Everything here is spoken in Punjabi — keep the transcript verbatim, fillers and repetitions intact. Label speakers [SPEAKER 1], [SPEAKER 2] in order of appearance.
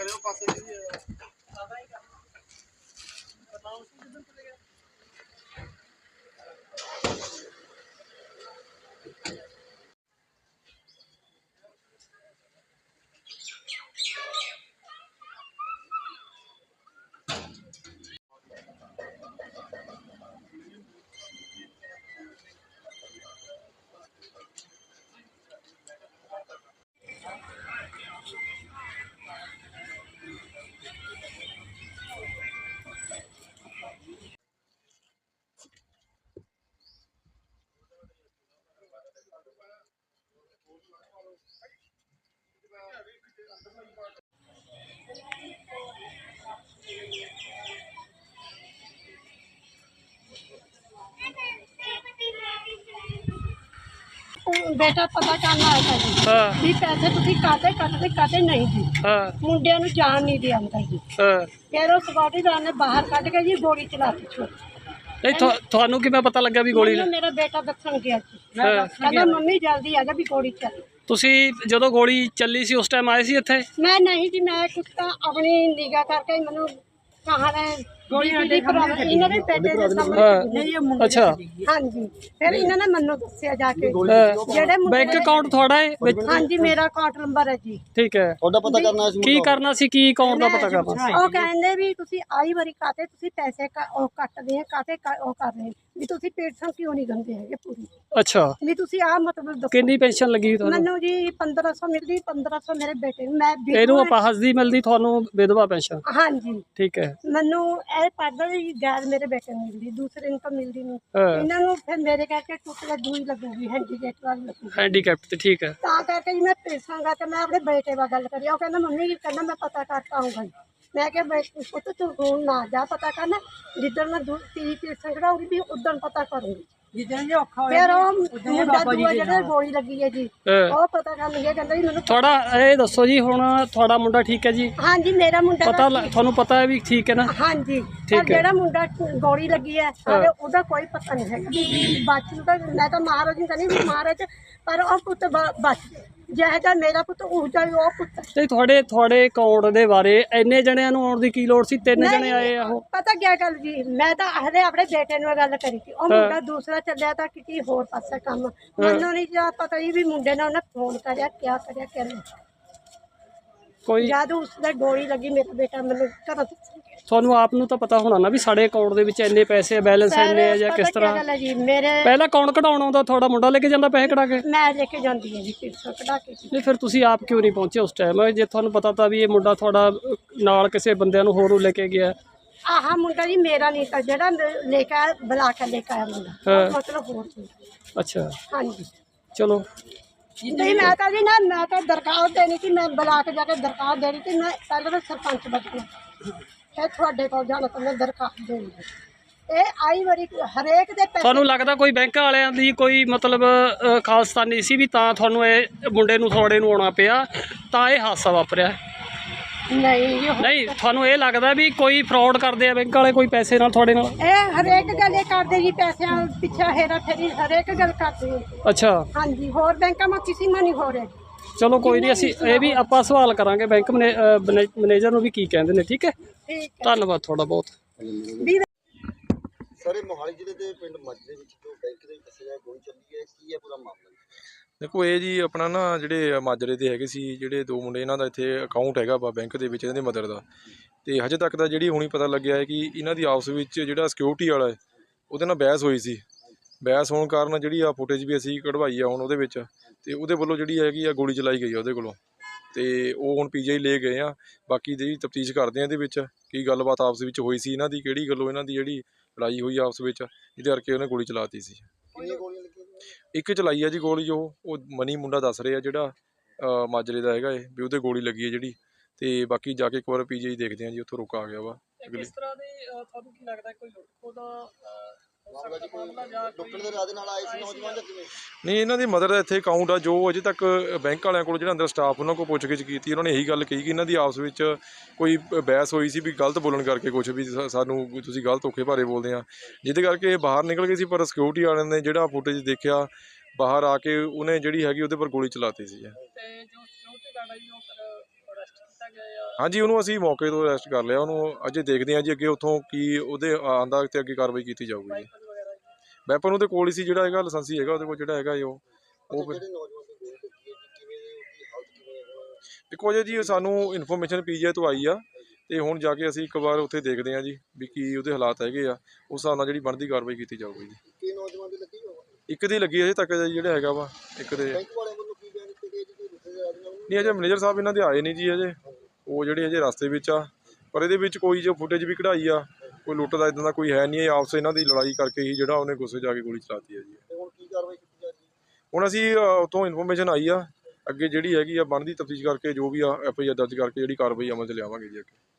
[SPEAKER 1] बेटा पता करना आया था जी भी पैसे तुसी काटे कटते कटे नहीं जी मुंडिया नूं जान नहीं दिया अंदर जी फिर उस सिक्योरिटी ने बाहर कट के जी गोली चलाती छोड़
[SPEAKER 2] नहीं ਤੁਹਾਨੂੰ ਕਿਵੇਂ ਪਤਾ ਲੱਗਾ ਵੀ ਗੋਲੀ
[SPEAKER 1] ਮੇਰਾ ਬੇਟਾ ਦੱਸਣ ਗਿਆ ਸੀ ਕਹਿੰਦਾ ਮੰਮੀ ਜਲਦੀ ਆ ਜਾ ਵੀ ਗੋਲੀ ਚੱਲੀ
[SPEAKER 2] ਤੁਸੀਂ ਜਦੋਂ ਗੋਲੀ ਚੱਲੀ ਸੀ ਉਸ ਟਾਈਮ ਆਏ ਸੀ ਇੱਥੇ
[SPEAKER 1] ਮੈਂ ਨਹੀਂ ਜੀ ਮੈਂ ਕੁਝ ਤਾਂ ਆਪਣੀ ਨਿਗਾਹ ਕਰਕੇ ਮੈਨੂੰ ਕਹਾਣਾ ਗੋਲੀ ਦੀ ਪ੍ਰੋਬਲਮ ਇਹਨਾਂ ਦੇ ਬੇਟੇ ਦੇ ਸਾਹਮਣੇ
[SPEAKER 2] ਅੱਛਾ
[SPEAKER 1] ਹਾਂਜੀ ਫਿਰ ਇਹਨਾਂ ਨੇ ਮੈਨੂੰ ਦੱਸਿਆ ਜਾ ਕੇ ਜਿਹੜੇ
[SPEAKER 2] ਬੈਂਕ ਅਕਾਊਂਟ ਤੁਹਾਡਾ ਹੈ
[SPEAKER 1] ਹਾਂਜੀ ਮੇਰਾ ਅਕਾਊਂਟ ਨੰਬਰ ਹੈ ਜੀ
[SPEAKER 2] ਠੀਕ ਹੈ ਤੁਹਾਡਾ ਪਤਾ ਕਰਨਾ ਸੀ ਕੀ ਕਰਨਾ ਸੀ ਕੀ ਅਕਾਊਂਟ ਦਾ ਪਤਾ ਕਰਨਾ
[SPEAKER 1] ਉਹ ਕਹਿੰਦੇ ਵੀ ਤੁਸੀਂ ਆਈ ਵਾਰੀ ਕਾਤੇ ਤੁਸੀਂ ਪੈਸੇ ਉਹ ਕੱਟਦੇ ਆ ਕਾਤੇ ਉਹ ਕਰ ਰਹੇ ਵੀ ਤੁਸੀਂ ਪੈਨਸ਼ਨ ਕਿਉਂ ਨਹੀਂ ਦਿੰਦੇ ਹੈਗੇ ਪੂਰੀ
[SPEAKER 2] ਅੱਛਾ
[SPEAKER 1] ਵੀ ਤੁਸੀਂ ਆ ਮਤਲਬ ਦੱਸੋ
[SPEAKER 2] ਕਿੰਨੀ ਪੈਨਸ਼ਨ ਲੱਗੀ ਤੁਹਾਨੂੰ
[SPEAKER 1] ਮੈਨੂੰ ਜੀ ਪੰਦਰਾਂ ਸੌ ਮਿਲਦੀ ਪੰਦਰਾਂ ਸੌ ਮੇਰੇ ਬੇਟੇ ਨੂੰ ਮੈਂ
[SPEAKER 2] ਇਹਨੂੰ ਅਪਾਹਜ ਦੀ ਮਿਲਦੀ ਤੁਹਾਨੂੰ ਵਿਧਵਾ ਪੈਨਸ਼ਨ
[SPEAKER 1] ਹਾਂਜੀ ਠੀਕ
[SPEAKER 2] ਹੈ
[SPEAKER 1] ਮੈਨੂੰ ਇਹ ਪੜਦਾ ਜੀ ਗੈਰ ਮੇਰੇ ਬੇਟੇ ਨੂੰ ਮਿਲਦੀ ਦੂਸਰੇ ਨੂੰ ਤਾਂ ਮਿਲਦੀ ਨਹੀਂ ਇਹਨਾਂ ਨੂੰ ਫਿਰ ਮੇਰੇ ਕਰਕੇ ਟੁੱਟ ਕੇ ਦੂਈ ਲੱਗੂਗੀ ਹੈਂਡੀਕੈਪ ਵਾਲੀ ਲੱਗੂਗੀ
[SPEAKER 2] ਹੈਂਡੀਕੈਪ ਤੇ ਠੀਕ ਹੈ
[SPEAKER 1] ਤਾਂ ਕਰਕੇ ਜੀ ਮੈਂ ਪੈਸਾਂਗਾ ਤੇ ਮੈਂ ਆਪਣੇ ਬੇਟੇ ਨਾਲ ਗੱਲ ਕਰੀ ਉਹ ਕਹਿੰਦਾ ਮੰਮੀ ਜੀ ਕਹਿੰਦਾ ਮੈਂ ਪਤਾ ਕਰਕੇ ਆਊਂਗਾ ਮੈਂ ਕਿਹਾ ਪੁੱਤ ਤੂੰ ਹੁਣ ਨਾ ਜਾ ਪਤਾ ਕਰਨਾ ਜਿੱਦਣ ਮੈਂ ਤੀਹ ਪੈਸਾ ਕਢਾਉਂਗੀ ਵੀ ਉਦੋਂ ਪਤਾ ਕਰੂੰਗੀ ਜਿੱਦਣ ਜੇ ਔਖਾ ਹੋਇਆ ਫਿਰ ਉਹ ਮੁੰਡਾ ਦੂਆ ਜਿਹੜਾ ਗੋਲੀ ਲੱਗੀ ਹੈ ਜੀ ਉਹ ਪਤਾ ਕਰ ਲਿਆ ਕਹਿੰਦਾ ਜੀ ਮੈਨੂੰ
[SPEAKER 2] ਥੋੜਾ ਇਹ ਦੱਸੋ ਜੀ ਹੁਣ ਤੁਹਾਡਾ ਮੁੰਡਾ ਠੀਕ ਹੈ ਜੀ
[SPEAKER 1] ਹਾਂਜੀ ਮੇਰਾ ਮੁੰਡਾ
[SPEAKER 2] ਪਤਾ ਤੁਹਾਨੂੰ ਪਤਾ ਹੈ ਵੀ ਠੀਕ ਹੈ ਨਾ
[SPEAKER 1] ਹਾਂਜੀ ਪਰ ਜਿਹੜਾ ਮੁੰਡਾ ਗੋਲੀ ਲੱਗੀ ਹੈ ਸਾਡੇ ਉਹਦਾ ਕੋਈ ਪਤਾ ਨਹੀਂ ਹੈਗਾ ਵੀ ਬਾਕੀ ਤਾਂ ਮੈਂ ਤਾਂ ਮਹਾਰਾਜ ਨੂੰ ਕਹਿੰਦੀ ਵੀ ਮਹਾਰਾਜ ਪਰ ਉਹ ਪੁੱਤ ਬਚ ਜਿਹੜਾ ਮੇਰਾ ਪੁੱਤ ਉਹ ਜਾਈ ਉਹ ਪੁੱਤ
[SPEAKER 2] ਤੇ ਤੁਹਾਡੇ ਤੁਹਾਡੇ ਅਕਾਊਂਟ ਦੇ ਬਾਰੇ ਇੰਨੇ ਜਣਿਆਂ ਨੂੰ ਆਉਣ ਦੀ ਕੀ ਲੋੜ ਸੀ ਤਿੰਨ ਜਣੇ ਆਏ ਆ ਉਹ
[SPEAKER 1] ਪਤਾ ਕੀ ਗੱਲ ਜੀ ਮੈਂ ਤਾਂ ਹਲੇ ਆਪਣੇ ਬੇਟੇ ਨੂੰ ਗੱਲ ਕਰੀ ਸੀ ਉਹ ਮੁੰਡਾ ਦੂਸਰਾ ਚੱਲਿਆ ਤਾਂ ਕਿਤੇ ਹੋਰ ਪਾਸੇ ਕੰਮ ਮੈਨੂੰ ਨਹੀਂ ਜਾ ਪਤਾ ਜੀ ਵੀ ਮੁੰਡੇ ਨੇ ਉਹਨੇ ਫੋਨ ਕਰਿਆ ਕਿਆ ਕਰਿਆ ਕਿਆ ਕੋਈ ਜਦ ਉਸਦੇ ਗੋਲੀ ਲੱਗੀ ਮੇਰਾ ਬੇਟਾ ਮੈਨੂੰ ਘਰੋਂ
[SPEAKER 2] ਤੁਹਾਨੂੰ ਆਪ ਨੂੰ ਤਾਂ ਪਤਾ ਹੋਣਾ ਨਾ ਵੀ ਸਾਡੇ ਅਕਾਊਂਟ ਦੇ ਵਿੱਚ ਇੰਨੇ ਪੈਸੇ ਬੈਲੈਂਸ ਇੰਨੇ ਆ ਜਾਂ ਕਿਸ ਤਰ੍ਹਾਂ ਪਹਿਲਾਂ ਕੌਣ ਕਢਾਉਣ ਆਉਂਦਾ ਤੁਹਾਡਾ ਮੁੰਡਾ ਲੈ ਕੇ ਜਾਂਦਾ ਪੈਸੇ ਕਢਾ ਕੇ
[SPEAKER 1] ਮੈਂ ਲੈ ਕੇ ਜਾਂਦੀ ਹਾਂ ਜੀ ਪੈਸੇ ਕਢਾ ਕੇ
[SPEAKER 2] ਨਹੀਂ ਫਿਰ ਤੁਸੀਂ ਆਪ ਕਿਉਂ ਨਹੀਂ ਪਹੁੰਚੇ ਉਸ ਟਾਈਮ ਜੇ ਤੁਹਾਨੂੰ ਪਤਾ ਤਾਂ ਵੀ ਇਹ ਮੁੰਡਾ ਤੁਹਾਡਾ ਨਾਲ ਕਿਸੇ ਬੰਦਿਆਂ ਨੂੰ ਹੋਰ ਲੈ ਕੇ ਗਿਆ
[SPEAKER 1] ਆਹ ਮੁੰਡਾ ਜੀ ਮੇਰਾ ਨਹੀਂ ਤਾਂ ਜਿਹੜਾ ਲੈ ਕੇ ਆਇਆ ਬੁਲਾ ਕੇ ਲੈ ਕੇ ਆਇਆ ਮੁੰਡਾ ਮਤਲਬ ਹੋਰ
[SPEAKER 2] ਅੱਛਾ
[SPEAKER 1] ਹਾਂਜੀ
[SPEAKER 2] ਚਲੋ
[SPEAKER 1] ਨਹੀਂ ਮੈਂ ਤਾਂ ਜੀ ਨਾ ਮੈਂ ਤਾਂ ਦਰਖਾਸਤ ਦੇਣੀ ਸੀ ਮੈਂ ਬੁਲਾ ਕੇ ਜਾ ਕੇ ਦਰਖਾਸਤ ਦੇਣੀ ਸੀ ਮੈਂ ਪਹਿਲਾਂ ਤਾਂ ਸਰਪੰਚ ਬਚਣਾ ਫਿਰ ਤੁਹਾਡੇ ਕੋਲ ਜਾਣਾ ਤਾਂ ਮੈਂ ਦਰਖਾਸਤ ਦੇਣੀ ਇਹ ਆਈ ਵਾਰੀ ਹਰੇਕ ਦੇ
[SPEAKER 2] ਤੁਹਾਨੂੰ ਲੱਗਦਾ ਕੋਈ ਬੈਂਕ ਵਾਲਿਆਂ ਦੀ ਕੋਈ ਮਤਲਬ ਖਾਲਸਤਾਨੀ ਸੀ ਵੀ ਤਾਂ ਤੁਹਾਨੂੰ ਇਹ ਮੁੰਡੇ ਨੂੰ ਥੋੜੇ ਨੂੰ ਆਉਣਾ ਪਿਆ ਤਾਂ ਇਹ ਹਾਦਸਾ ਵਾਪਰਿਆ
[SPEAKER 1] ਨਹੀਂ
[SPEAKER 2] ਨਹੀਂ ਤੁਹਾਨੂੰ ਇਹ ਲੱਗਦਾ ਵੀ ਕੋਈ ਫਰਾਡ ਕਰਦੇ ਆ ਬੈਂਕ ਵਾਲੇ ਕੋਈ ਪੈਸੇ ਨਾਲ ਤੁਹਾਡੇ ਨਾਲ
[SPEAKER 1] ਇਹ ਹਰੇਕ ਗੱਲ ਇਹ ਕਰਦੇ ਜੀ ਪੈਸਿਆਂ ਪਿੱਛੇ ਹੇਰਾ ਫੇਰੀ ਹਰੇਕ ਗੱਲ ਕਰਦੇ
[SPEAKER 2] ਅੱਛਾ
[SPEAKER 1] ਹਾਂਜੀ ਹੋਰ ਬੈਂਕਾਂ ਮਾ ਕਿਸੇ ਮਾ ਨਹੀਂ ਹੋ ਰਿਹਾ
[SPEAKER 2] ਚਲੋ ਕੋਈ ਨਹੀਂ ਅਸੀਂ ਇਹ ਵੀ ਆਪਾਂ ਸਵਾਲ ਕਰਾਂਗੇ ਬੈਂਕ ਮੈਨੇਜਰ ਨੂੰ ਵੀ ਕੀ ਕਹਿੰਦੇ ਨੇ ਠੀਕ ਹੈ ਧੰਨਵਾਦ ਤੁਹਾਡਾ ਬਹੁਤ
[SPEAKER 3] ਸਰ ਇਹ ਮੋਹਾਲੀ ਜ਼ਿਲ੍ਹੇ ਦੇ ਪਿੰਡ ਮਾਜਰੇ ਵਿੱਚ ਜੋ ਬੈਂਕ ਦੇ ਵਿੱਚ ਦੱਸਿਆ ਗੋਲੀ ਚੱਲੀ ਹੈ ਕੀ ਹੈ ਪੂਰਾ ਮਾਮਲਾ
[SPEAKER 4] ਦੇਖੋ ਇਹ ਜੀ ਆਪਣਾ ਨਾ ਜਿਹੜੇ ਮਾਜਰੇ ਦੇ ਹੈਗੇ ਸੀ ਜਿਹੜੇ ਦੋ ਮੁੰਡੇ ਇਹਨਾਂ ਦਾ ਇੱਥੇ ਅਕਾਊਂਟ ਹੈਗਾ ਵਾ ਬੈਂਕ ਦੇ ਵਿੱਚ ਇਹਨਾਂ ਦੀ ਮਦਰ ਦਾ ਤੇ ਹਜੇ ਤੱਕ ਤਾਂ ਜਿਹੜੀ ਹੁਣੀ ਪਤਾ ਲੱਗਿਆ ਹੈ ਕਿ ਇਹਨਾਂ ਦੀ ਆਪਸ ਵਿੱਚ ਜਿਹੜਾ ਸਿਕਿਉਰਿਟੀ ਵਾਲਾ ਹੈ ਉਹਦੇ ਨਾਲ ਬਹਿਸ ਹੋਈ ਸੀ ਬਹਿਸ ਹੋਣ ਕਾਰਨ ਜਿਹੜੀ ਆ ਫੁਟੇਜ ਵੀ ਅਸੀਂ ਕਢਵਾਈ ਆ ਹੁਣ ਉਹਦੇ ਵਿੱਚ ਤੇ ਉਹਦੇ ਵੱਲੋਂ ਜਿਹੜੀ ਹੈਗੀ ਆ ਗੋਲੀ ਚਲਾਈ ਗਈ ਆ ਉਹਦੇ ਕੋਲੋਂ ਤੇ ਉਹ ਹੁਣ ਪੀਜੀਆਈ ਲੈ ਗਏ ਆ ਬਾਕੀ ਜਿਹੜੀ ਤਫਤੀਸ਼ ਕਰਦੇ ਆ ਇਹਦੇ ਵਿੱਚ ਕੀ ਗੱਲਬਾਤ ਆਪਸ ਵਿੱਚ ਹੋਈ ਸੀ ਇਹਨਾਂ ਦੀ ਕਿਹੜੀ ਗੱਲੋਂ ਇਹਨਾਂ ਦੀ ਜਿਹੜੀ ਲੜਾਈ ਹੋਈ ਆਪਸ ਵਿੱਚ ਜਿਹਦੇ ਕਰਕੇ ਉਹਨੇ ਗੋਲੀ ਚਲਾਤੀ ਸੀ ਇੱਕ ਚਲਾਈ ਆ ਜੀ ਗੋਲੀ ਉਹ ਉਹ ਮਨੀ ਮੁੰਡਾ ਦੱਸ ਰਿਹਾ ਜਿਹੜਾ ਮਾਜਰੇ ਦਾ ਹੈਗਾ ਇਹ ਵੀ ਉਹਦੇ ਗੋਲੀ ਲੱਗੀ ਹੈ ਜਿਹੜੀ ਤੇ ਬਾਕੀ ਜਾ ਕੇ ਇੱਕ ਵਾਰ ਪੀਜੀਆਈ ਦੇਖਦੇ ਆ ਜੀ ਉੱਥੋਂ ਰੁਕ ਆ ਗਿਆ ਵਾ
[SPEAKER 2] ਕਿਸ ਤਰ੍ਹਾਂ ਦੀ ਤੁਹਾਨੂੰ ਕੀ ਲੱਗਦਾ ਕੋਈ ਲੁੱਟਖੋ ਦਾ
[SPEAKER 4] ਨਹੀਂ ਇਹਨਾਂ ਦੀ ਮਦਰ ਦਾ ਇੱਥੇ ਅਕਾਊਂਟ ਆ ਜੋ ਅਜੇ ਤੱਕ ਬੈਂਕ ਵਾਲਿਆਂ ਕੋਲ ਜਿਹੜਾ ਅੰਦਰ ਸਟਾਫ ਉਹਨਾਂ ਕੋਲ ਪੁੱਛ ਗਿੱਛ ਕੀਤੀ ਉਹਨਾਂ ਨੇ ਇਹੀ ਗੱਲ ਕਹੀ ਕਿ ਇਹਨਾਂ ਦੀ ਆਪਸ ਵਿੱਚ ਕੋਈ ਬਹਿਸ ਹੋਈ ਸੀ ਵੀ ਗਲਤ ਬੋਲਣ ਕਰਕੇ ਕੁਛ ਵੀ ਸਾਨੂੰ ਤੁਸੀਂ ਗਲਤ ਧੋਖੇ ਭਾਰੇ ਬੋਲਦੇ ਆ ਜਿਹਦੇ ਕਰਕੇ ਇਹ ਬਾਹਰ ਨਿਕਲ ਗਏ ਸੀ ਪਰ ਸਿਕਿਉਰਿਟੀ ਵਾਲਿਆਂ ਨੇ ਜਿਹੜਾ ਫੁਟੇਜ ਦੇਖਿਆ ਬਾਹਰ ਆ ਕੇ ਉਹਨੇ ਜਿਹੜੀ ਹੈਗੀ ਉਹਦੇ ਪਰ ਗੋਲੀ ਚਲਾਤੀ ਸੀ।
[SPEAKER 2] ਅਰੈਸਟ ਕੀਤਾ ਗਿਆ ਜਾਂ
[SPEAKER 4] ਹਾਂਜੀ, ਉਹਨੂੰ ਅਸੀਂ ਮੌਕੇ ਤੋਂ ਅਰੈਸਟ ਕਰ ਲਿਆ। ਉਹਨੂੰ ਅਜੇ ਦੇਖਦੇ ਹਾਂ ਜੀ ਅੱਗੇ ਉੱਥੋਂ ਕੀ ਉਹਦੇ ਆਂਦਾ ਤੇ ਅੱਗੇ ਕਾਰਵਾਈ ਕੀਤੀ ਜਾਊਗੀ ਜੀ।
[SPEAKER 2] ਵਗੈਰਾ ਜੀ?
[SPEAKER 4] ਵੈਪਨ ਉਹਦੇ ਕੋਲ ਹੀ ਸੀ, ਜਿਹੜਾ ਹੈਗਾ ਲਾਇਸੈਂਸੀ ਹੈਗਾ ਉਹਦੇ ਕੋਲ, ਜਿਹੜਾ ਹੈਗਾ ਜੀ ਉਹ ਉਹ ਫਿਰ
[SPEAKER 3] ਜਿਹੜੇ ਨੌਜਵਾਨ ਦੀ ਗੋਲੀ ਲੱਗੀ ਹੈ ਜੀ, ਕਿਵੇਂ ਉਹਦੀ ਹਾਲਤ ਕਿਵੇਂ ਹੈ ਹੁਣ?
[SPEAKER 4] ਦੇਖੋ ਜੀ ਜੀ ਸਾਨੂੰ ਇਨਫੋਰਮੇਸ਼ਨ ਪੀਜੀਆਈ ਤੋਂ ਆਈ ਆ, ਤੇ ਹੁਣ ਜਾ ਕੇ ਅਸੀਂ ਇੱਕ ਵਾਰ ਉੱਥੇ ਦੇਖਦੇ ਹਾਂ ਜੀ ਵੀ ਕੀ ਉਹਦੇ ਹਾਲਾਤ ਹੈਗੇ ਆ, ਉਸ ਹਿਸਾਬ ਨਾਲ ਜਿਹੜੀ ਬਣਦੀ ਕਾਰਵਾਈ ਕੀਤੀ ਜਾਊਗੀ ਜੀ।
[SPEAKER 3] ਕੀ ਨੌਜਵਾਨ ਦੀ ਲੱਗੀ ਹੋਵੇ?
[SPEAKER 4] ਇੱਕ ਦੀ ਲੱਗੀ ਅਜੇ ਤੱਕ ਜੀ, ਜਿਹੜਾ ਹੈਗਾ ਵਾ ਇੱਕ ਦੇ।
[SPEAKER 3] ਬੈਂਕ ਵਾਲਿਆਂ ਵੱਲੋਂ ਕੀ ਬਿਆਨ ਦਿੱਤੇ ਗਏ ਜੀ ਕਿ ਦੂਸਰੇ ਦੇ ਆਦਮੀ ਨੂੰ?
[SPEAKER 4] ਨਹੀਂ, ਅਜੇ ਮੈਨੇਜਰ ਸਾਹਿਬ ਇਹਨਾਂ ਦੇ ਆਏ ਨਹੀਂ ਜੀ ਅਜੇ, ਉਹ ਜਿਹੜੇ ਅਜੇ ਰਸਤੇ ਵਿੱਚ ਆ। ਪਰ ਇਹਦੇ ਵਿੱਚ ਕੋਈ ਜੋ ਫੁਟੇਜ ਵੀ ਕਢਾਈ ਆ, ਕੋਈ ਲੁੱਟ ਦਾ ਇਦਾਂ ਦਾ ਕੋਈ ਹੈ ਨਹੀਂ। ਇਹ ਆਪਸ ਇਹਨਾਂ ਦੀ ਲੜਾਈ ਕਰਕੇ ਹੀ ਜਿਹੜਾ ਉਹਨੇ ਗੁੱਸੇ ਜਾ ਕੇ ਗੋਲੀ ਚਲਾਤੀ ਹੈ ਜੀ।
[SPEAKER 3] ਤੇ ਹੁਣ ਕੀ ਕਾਰਵਾਈ ਕੀਤੀ ਜਾ ਰਹੀ ਹੈ?
[SPEAKER 4] ਹੁਣ ਅਸੀਂ ਅ, ਉੱਥੋਂ ਇਨਫੋਰਮੇਸ਼ਨ ਆਈ ਆ, ਅੱਗੇ ਜਿਹੜੀ ਹੈਗੀ ਆ ਬਣਦੀ ਤਫਤੀਸ਼ ਕਰਕੇ ਜੋ ਵੀ ਆ ਐਫ ਆਈ ਆਰ ਦਰਜ ਕਰਕੇ ਜਿਹੜੀ ਕਾਰਵਾਈ ਅਮਲ 'ਚ ਲਿਆਵਾਂਗੇ ਜੀ ਅੱਗੇ।